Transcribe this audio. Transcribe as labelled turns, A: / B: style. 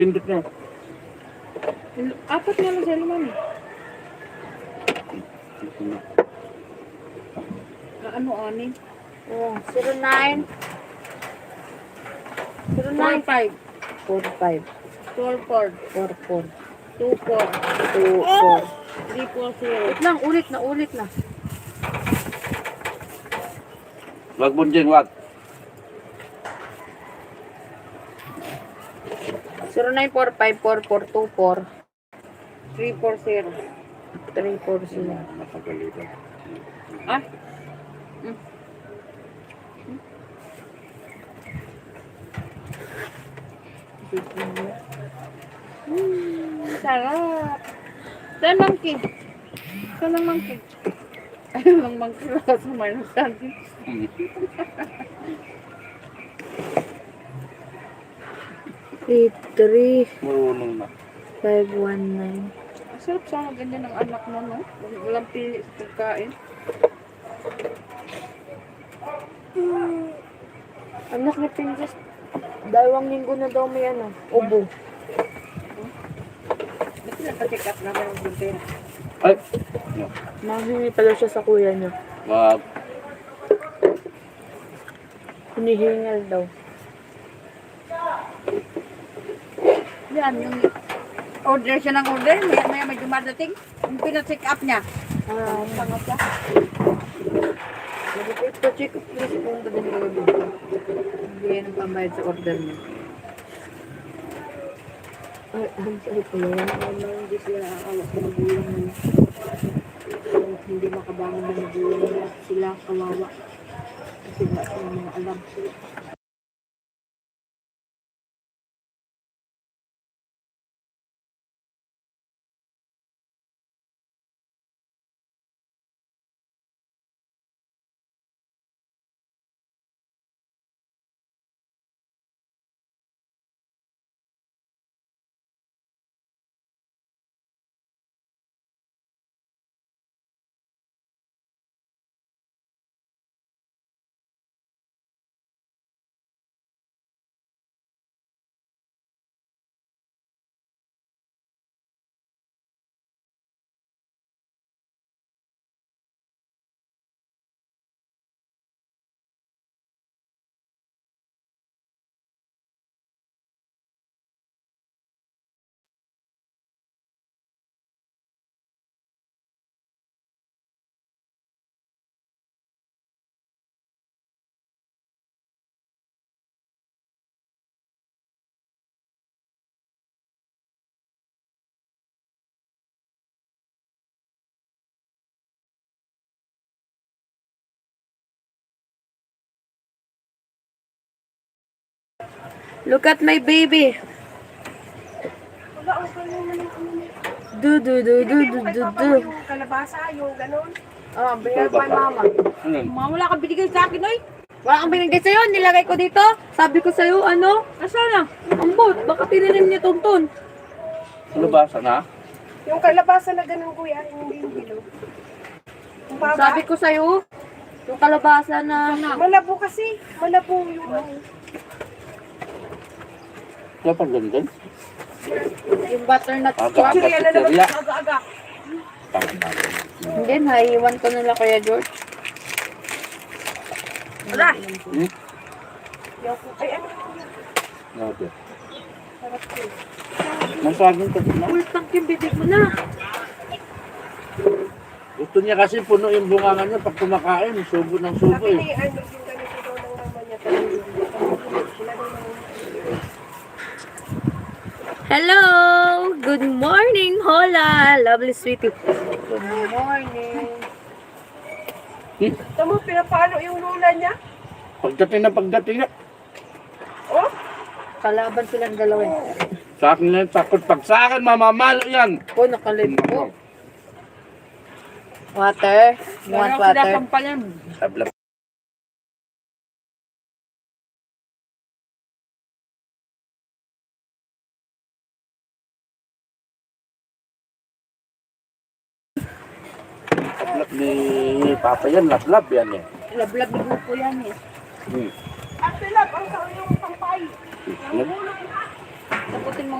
A: Pindot na.
B: Apat nga lang sa'yo, mami. Ano, anin?
C: Oh, 09 09
B: 45.
C: 45
B: 44.
C: 44
B: 24.
C: 24
B: 340.
C: Wait lang, ulit na.
A: Wag mo dyan, wag.
C: 09454424
B: 340.
C: 340.
A: Napagalitan.
B: Ah? Sarap. Saan monkey? Saan ang monkey? Ayun lang monkey. Wala sa minus candy.
C: Eight, 3,
A: Marunong na.
C: 519.
B: Ang sarap sana ganyan ng anak mo, no? Walang pili sa pagkain.
C: Anak ni Princess, 2 linggo na daw may ubo.
B: Ba't nagpa-check up naman ang buntin?
A: Ay!
C: Mahingi pala siya sa kuya niya.
A: Wag.
C: Hinihingal daw.
B: Yan, yung order siya ng order. Maya may dumadating. Yung pina-check up niya.
C: Ah,
B: Pangat siya.
C: nag-check up please kung din kayo dito.
B: Bigyan ng pambayad sa order niya.
C: Ay, ang sakit ko yan.
B: Hindi sila aawak sa magulang mo. Hindi makabangon ng magulang mo. Sila kawawa. Kasi wala silang mga alam.
C: Look at my baby. Do do do do do do do.
B: Yung kalabasa, yung ganon.
C: Ah, bayar pa mama.
A: Ano?
B: Mama, wala kang binigay sa akin, oy.
C: Wala kang binigay sa'yo, nilagay ko dito. Sabi ko sa'yo,
B: Nasaan na?
C: ambot, baka tinanim niya Tonton.
A: Ano ba? Sana?
D: Yung kalabasa na ganun kuya, hindi yung bilog. Yung baba,
C: Sabi ko sa'yo, yung kalabasa na
D: malabo kasi. Malabo yung
A: Wala pang ganyan.
C: yung butternut squash.
A: Aga-aga
D: Kaya
A: sa
D: na naman
A: teriya.
D: aga-aga.
C: Hindi, naiiwan ko nila Kuya George.
D: Wala.
A: Hmm?
D: Ay, ano?
A: Okay. Masagin ka din na.
C: Full tank yung bibig mo na.
A: Gusto niya kasi puno yung bunganga niya pag kumakain. Subo ng subo
D: Sabi
A: eh.
D: ni ano, yung ganito daw ng mama niya. Sila daw ng
C: Hello! Good morning, Hola! Lovely sweetie. Good morning.
D: Tama, pinapalo yung lula niya.
A: Pagdating na.
D: Oh,
C: Kalaban silang dalawa.
A: Sa akin lang takot. Pag sa akin, mamamalo yan.
C: Oh, nakalib ko. Water. You want water?
B: Pampalan.
A: Sablap. Lablab ni Papa yan, lablab yan eh.
B: Lablab ni grupo yan eh.
A: Hmm.
D: at pilap ang sa yung pampay.
A: Yan.
B: Taputin mo